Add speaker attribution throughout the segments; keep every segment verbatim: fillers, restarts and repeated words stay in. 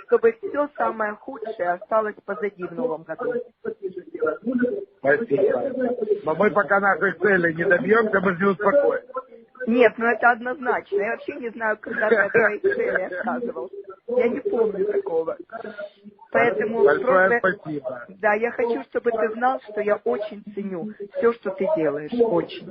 Speaker 1: чтобы все самое худшее осталось позади в новом году.
Speaker 2: Спасибо. Но мы пока нашей цели не добьемся, мы же не успокоимся.
Speaker 1: Нет, ну это однозначно. Я вообще не знаю, когда ты от твоей цели отказывался. Я не помню такого. Поэтому
Speaker 2: Большое
Speaker 1: просто,
Speaker 2: спасибо.
Speaker 1: да, я хочу, чтобы ты знал, что я очень ценю все, что ты делаешь. Очень.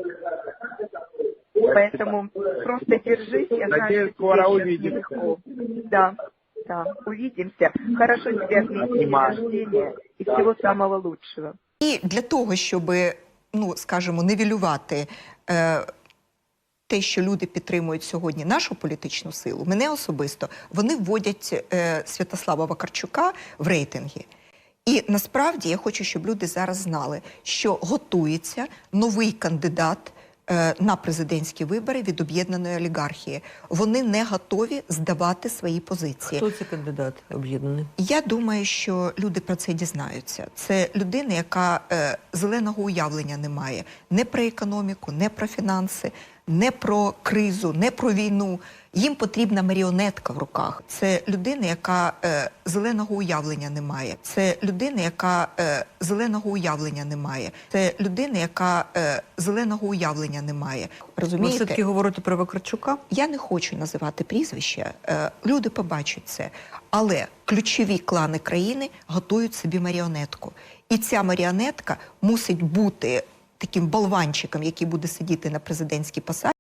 Speaker 1: Поэтому просто держись, я знаю,
Speaker 2: Надеюсь,
Speaker 1: что тебе
Speaker 2: скоро
Speaker 1: сейчас
Speaker 2: увидимся.
Speaker 1: нелегко. Да, да, увидимся. Хорошо тебе отметить день
Speaker 2: Обнимаю.
Speaker 1: рождения и всего самого лучшего.
Speaker 3: І для того, щоб, ну, скажімо, нівелювати е, те, що люди підтримують сьогодні нашу політичну силу, мене особисто, вони вводять е, Святослава Вакарчука в рейтинги. І насправді я хочу, щоб люди зараз знали, що готується новий кандидат е, на президентські вибори від об'єднаної олігархії. Вони не готові здавати свої позиції.
Speaker 4: Хто це кандидат об'єднаний?
Speaker 3: Я думаю, що люди про це дізнаються. Це людина, яка е, зеленого уявлення не має. Не про економіку, не про фінанси, не про кризу, не про війну. Їм потрібна маріонетка в руках. Це людина, яка е, зеленого уявлення не має. Це людина, яка е, зеленого уявлення не має. Це людина, яка е, зеленого уявлення не має.
Speaker 4: Ви
Speaker 3: Розумієте?
Speaker 4: все-таки говорите про Вакарчука?
Speaker 3: Я не хочу називати прізвища, е, люди побачать це. Але ключові клани країни готують собі маріонетку. І ця маріонетка мусить бути таким болванчиком, який буде сидіти на президентській посаді.